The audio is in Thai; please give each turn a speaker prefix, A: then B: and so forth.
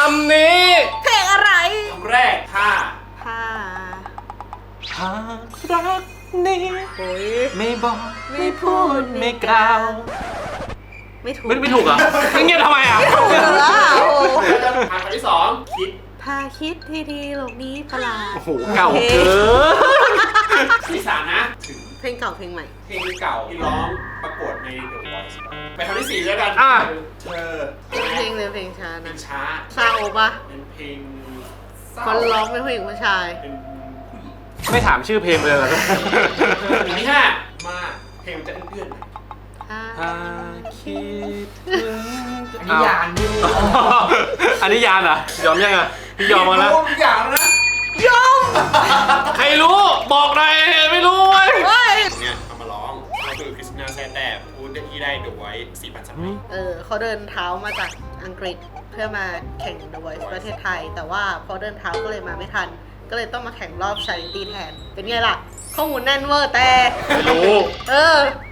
A: ำนี้
B: เพลงอะไร
C: คำแรกถ้า
B: ผ้า
A: หากรักนี้
B: โอ้ย
A: ไม่บอกไม่พูดไม่กล่าว
B: ไม่ถูก
A: ไม่ถูกเหรอเงียบทำไมอ่ะ
B: ถูกเหรอโอ้
C: ทางที่สองคิด
B: พาคิดที่ดีโลกนี้ประหลาด
A: โอ้โหเก่าเกิน
C: ที่สามนะถึง
B: เพลงเก่าเพลงใหม่
C: เพลงเก่าที่ร้องประกวดใน The Voice ไปคำที่สี่แล้วกันเธอ
B: เพลงเลยเพลงช้า
C: เพล
B: นะ
C: งช้า
B: เศร้าปะ
C: เป็นเพลงเศร้า
B: คนร้องเป็นผู้หญิงผู้ชาย
C: เป็นผู้หญิง
A: ไม่ถามชื่อเพลงเลยเหรอ
C: อันที่ห้ามาเพลงมันจะเอื้อนๆหน่อย
A: ถ้าคิดถึง
C: อันนี้ยานนี่
A: อันนี้ยานเหรอยอมยังอ่ะพี่ยอมมาแล้ว
C: ทุกอย่างแล้วนะ
B: ยอม
A: ใครรู้บอกหน่อยไม่รู้เว้ย
B: เฮ้ย
C: เนี่ยเอามาร้องก็คือคริสตินาแซแต่พูดที่ได้ดูไว้ 4,000 สมัย
B: เขาเดินเท้ามาจากอังกฤษเพื่อมาแข่ง The Voice ประเทศไทย แต่ว่าพอเดินเท้าก็เลยมาไม่ทัน ก็เลยต้องมาแข่งรอบชาริตี้แทน เป็นไงล่ะ ข้อมูลแน่นเวอร์แต่
A: รู้